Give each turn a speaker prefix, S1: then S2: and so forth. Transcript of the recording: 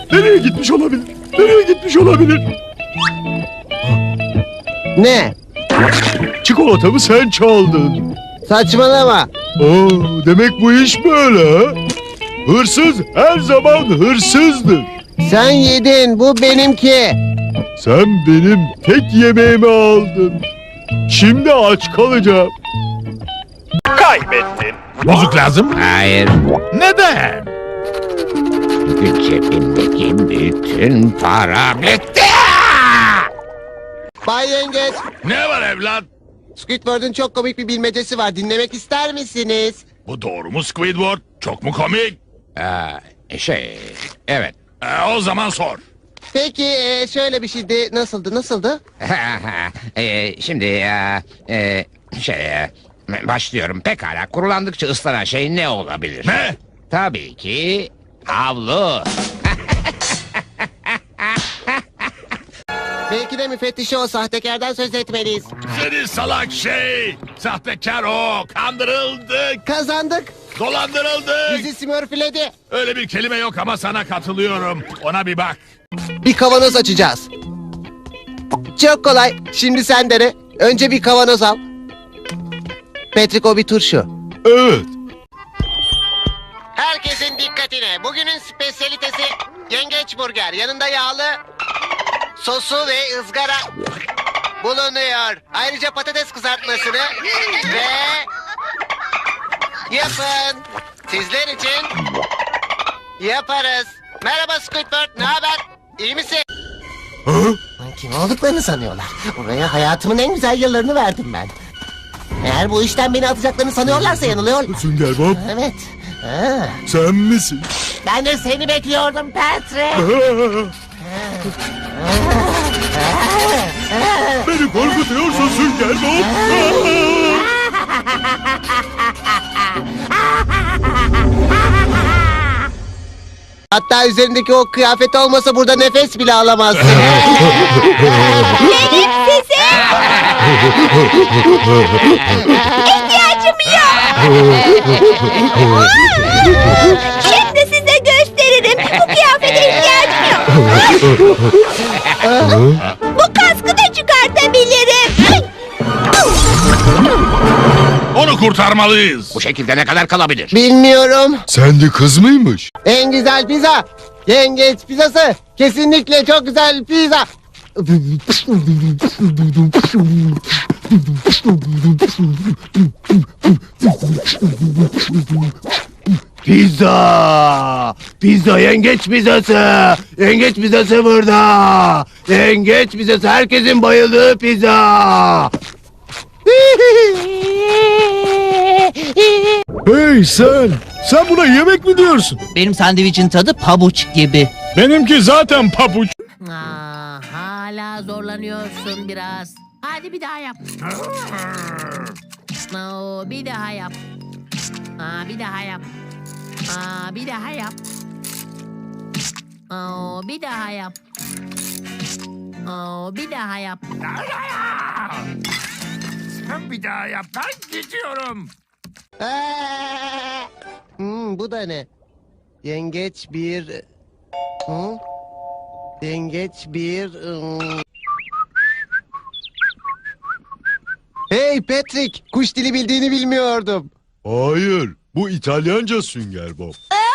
S1: Nereye gitmiş olabilir? Nereye gitmiş olabilir?
S2: Ne?
S1: Çikolatamı sen çaldın.
S2: Saçmalama.
S1: Oo, demek bu iş böyle ha? Hırsız her zaman hırsızdır.
S2: Sen yedin, bu benimki.
S1: Sen benim tek yemeğimi aldın. Şimdi aç kalacağım.
S3: Kaybettin.
S4: Bozuk lazım.
S5: Hayır.
S4: Neden?
S5: Çünkü cebimdeki bütün para bitti.
S2: Bay Yengeç,
S4: Ne var evlat?
S2: Squidward'ın çok komik bir bilmecesi var. Dinlemek ister misiniz?
S4: Bu doğru mu Squidward? Çok mu komik?
S5: Evet.
S4: O zaman sor.
S2: Peki, şöyle bir şeydi. Nasıldı?
S5: Şimdi başlıyorum. Pekala, kurulandıkça ıslanan şey ne olabilir?
S4: Ne?
S5: Tabii ki havlu.
S2: Belki de müfettişe o sahtekardan söz etmeliyiz.
S4: Seni salak şey. Sahtekar o. Kandırıldık.
S2: Kazandık.
S4: Dolandırıldık.
S2: Bizi smurfledi.
S4: Öyle bir kelime yok ama sana katılıyorum. Ona bir bak.
S2: Bir kavanoz açacağız. Çok kolay. Şimdi sen dene. Önce bir kavanoz al. Patrick, o bir turşu.
S1: Evet.
S2: Herkesin dikkatine. Bugünün spesiyalitesi yengeç burger. Yanında yağlı sosu ve ızgara bulunuyor. Ayrıca patates kızartmasını ve yapın. Sizler için yaparız. Merhaba Squidward, ne haber? İyi misin? Kim olduklarını sanıyorlar. Oraya hayatımın en güzel yıllarını verdim ben. Eğer bu işten beni atacaklarını sanıyorlarsa yanılıyor.
S1: Sünger Bob,
S2: Evet. Ha.
S1: sen misin?
S2: Ben de seni bekliyordum Patrick.
S1: Beni korkutuyorsun Sünger Bob.
S2: Hatta üzerindeki o kıyafet olmasa burada nefes bile alamazsın.
S6: Benim size ihtiyacım yok. Şimdi size gösteririm. Bu kıyafete ihtiyacım yok. Bu kaskı da çıkartabilirim.
S4: Onu kurtarmalıyız.
S5: Bu şekilde ne kadar kalabilir?
S2: Bilmiyorum.
S1: Sen de kız mıymış?
S2: En güzel pizza. Yengeç pizzası. Kesinlikle çok güzel pizza.
S7: Pizza! Pizza, yengeç pizzası! Yengeç pizzası burada! Yengeç pizzası, herkesin bayıldığı pizza!
S1: Hey sen! Sen buna yemek mi diyorsun?
S8: Benim sandviçin tadı pabuç gibi.
S1: Benimki zaten pabuç.
S9: Hala zorlanıyorsun biraz. Hadi bir daha yap. Bir daha yap. Bir daha yap. Bir daha yap. Bir daha yap. Bir daha yap.
S4: Sen bir daha yap. Ben gidiyorum.
S2: Bu da ne? Yengeç bir... Yengeç bir... Hey Patrick! Kuş dili bildiğini bilmiyordum.
S1: Hayır, bu İtalyanca Sünger Bob.